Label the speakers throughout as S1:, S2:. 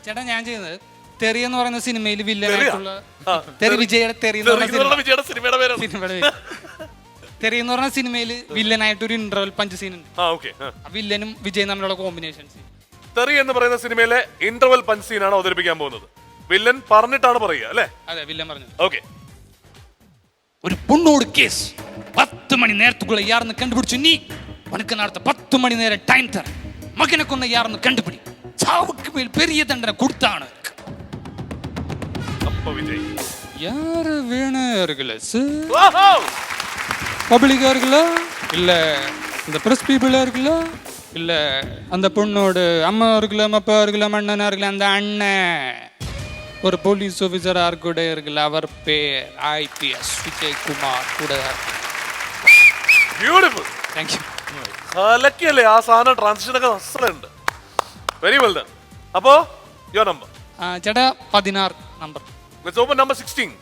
S1: ചേട്ടാ ഞാൻ ചെയ്യുന്നത് തെറി എന്ന് പറയുന്ന സിനിമയിൽ വില്ലനായിട്ടുള്ള തെറി വിജയുടെ തെറി എന്ന് പറഞ്ഞ സിനിമയുടെ തെറി എന്ന് പറഞ്ഞ സിനിമയിൽ വില്ലനായിട്ട് ഒരു ഇന്റർവൽ പഞ്ച് സീൻ ഉണ്ട്. വില്ലനും വിജയും തമ്മിലുള്ള കോമ്പിനേഷൻ സീൻ.
S2: തെറി എന്ന് പറയുന്ന സിനിമയിലെ ഇന്റർവൽ പഞ്ച് സീനാണ് അവതരിപ്പിക്കാൻ പോകുന്നത്. വില്ലൻ പറഞ്ഞിട്ടാണ് പറയുക അല്ലേ?
S1: അതെ, വില്ലൻ പറഞ്ഞു.
S2: ഓക്കെ.
S1: ഒരു പൊണ്ണോട് കേസ് 10 മണി നേരത്തുക്കുള്ള യാർന്ന് കണ്ടുപിടിച്ചു. നീ ഉനക്ക് നടത്ത 10 മണി നേരം ടൈം തര. മകനെ കൊന്ന യാർന്ന് കണ്ടുപിടി. ചാവുക്ക് മേൽ പെരിയ ദണ്ഡന കൊടുത്താണ്. யாரு வேணும் இருக்குல்ல பப்ளிக்கா இருக்குல்ல இல்ல இந்த பிரஸ் பீப்புளா இருக்குல்ல இல்ல அந்த பொண்ணோட அம்மா இருக்குல்ல அப்பா இருக்குல்ல அண்ணனா இருக்குல்ல அந்த அண்ணன் ஒரு போலீஸ் ஆஃபீஸரா கூட இருக்குல்ல அவர் பேர் ஐபிஎஸ் விஜயகுமார் கூட.
S2: ബ്യൂട്ടിഫുൾ.
S1: Thank you.
S2: ലക്കിയല്ലേ ആ സാധനം ട്രാൻസിഷൻ ഒക്കെ അസലുണ്ട്. Very well done. അപ്പോ യുവർ നമ്പർ.
S1: ചേട്ടാ 16 നമ്പർ.
S2: Let's open number 16.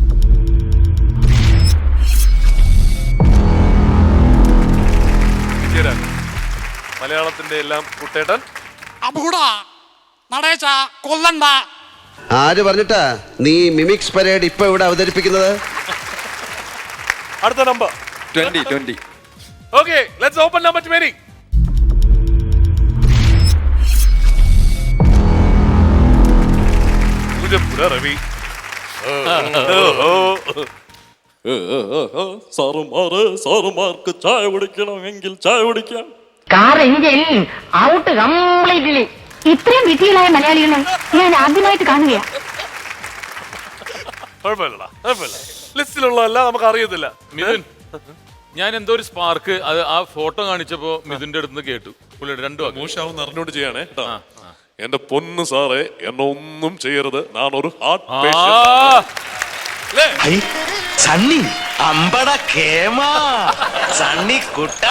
S2: മലയാളത്തിന്റെ എല്ലാം കുട്ടേട്ടൻ.
S1: അബൂടാ നടേശ കൊല്ലണ്ട.
S3: ആര് പറഞ്ഞിട്ടാ നീ മിമിക്സ് പരേഡ് ഇപ്പൊ ഇവിടെ അവതരിപ്പിക്കുന്നത്?
S2: അടുത്ത number
S4: 20.
S2: Okay, let's open number 20. Ravi.
S4: സാറുമാർക്ക് ചായ കുടിക്കണമെങ്കിൽ ചായ കുടിക്കാം.
S5: Car engine out completely. ഇത്രയും വിധികളായ മലയാളികളെ ഞാൻ ആദ്യമായിട്ട് കാണുകയാണ്.
S2: കുഴപ്പമില്ല. ലിസ്റ്റിലുള്ളതല്ല നമുക്ക് അറിയത്തില്ല.
S6: മിഥുൻ, ഞാൻ എന്തോ ഒരു സ്പാർക്ക് അത് ആ ഫോട്ടോ കാണിച്ചപ്പോ മിഥുന്റെ അടുത്ത് കേട്ടു. പുള്ളിയുടെ രണ്ടു
S2: മോശമാവും അറിഞ്ഞോണ്ട് ചെയ്യണേ. എന്റെ പൊന്ന് സാറേ, എന്നെ ഒന്നും ചെയ്യരുത്. ഞാനൊരു ഹാർട്ട്
S7: സണ്ണി അമ്പട കേമാ സണ്ണി കുട്ട,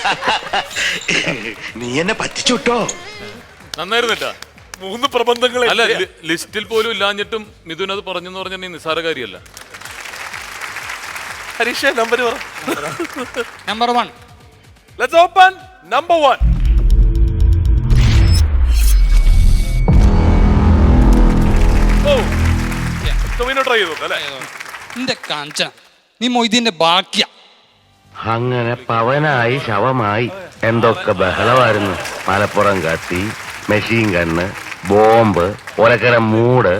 S7: നീ എന്നെ പറ്റിച്ചുട്ടോ.
S6: നന്നായിരുന്നിട്ടാ.
S2: 3 പ്രബന്ധങ്ങൾ
S6: അല്ല, ലിസ്റ്റിൽ പോലും ഇല്ലാഞ്ഞിട്ടും മിഥുൻ അത് പറഞ്ഞെന്ന് പറഞ്ഞാൽ നിസ്സാര കാര്യമല്ല.
S2: ഹരീഷ നമ്പർ പറ.
S1: Number 1.
S2: Let's open number 1. Try ചെയ്തു അല്ലേ?
S1: എന്റെ കാഞ്ച നീ മൊയ്തീന്റെ ബാക്കിയ.
S7: അങ്ങനെ പവനായി ശവമായി എന്തൊക്കെ ബഹളമായിരുന്നു. മലപ്പുറം കത്തി, മെഷീൻ ഗണ്ണ്, ബോംബ്, ഒലക്കര മൂട്.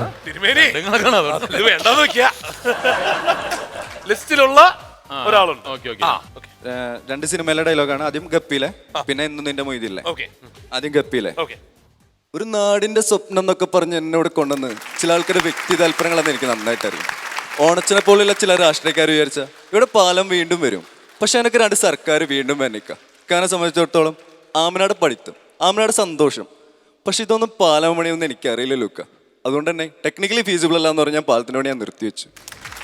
S2: ലിസ്റ്റിലുള്ള ഒരാളുണ്ട്.
S4: 2 സിനിമയിലെ ഡയലോഗാണ്. ആദ്യം ഗപ്പിയിലെ, പിന്നെ ഇന്നും നിന്റെ മൊയ്തില്ലേ. ആദ്യം ഗപ്പിയിലെ. ഒരു നാടിന്റെ സ്വപ്നം എന്നൊക്കെ പറഞ്ഞ് എന്നോട് കൊണ്ടുവന്ന് ചില ആൾക്കാരുടെ വ്യക്തി താല്പര്യങ്ങളെന്ന് എനിക്ക് നന്നായിട്ട് അറിയാം. ഓണച്ചിനെ പോലെയുള്ള ചില രാഷ്ട്രീയക്കാർ വിചാരിച്ച ഇവിടെ പാലം വീണ്ടും വരും. പക്ഷെ എനിക്ക് 2 സർക്കാർ വീണ്ടും വന്നിക്കാം. കാരണം സംബന്ധിച്ചിടത്തോളം ആമനാട് പഠിത്തം, ആമനാട് സന്തോഷം. പക്ഷെ ഇതൊന്നും പാലം പണിയൊന്നും എനിക്കറിയില്ല ലൂക്ക. അതുകൊണ്ട് തന്നെ ടെക്നിക്കലി ഫീസിബിൾ അല്ല എന്ന് പറഞ്ഞാൽ പാലത്തിന് വേണ്ടി ഞാൻ നിർത്തിവെച്ചു.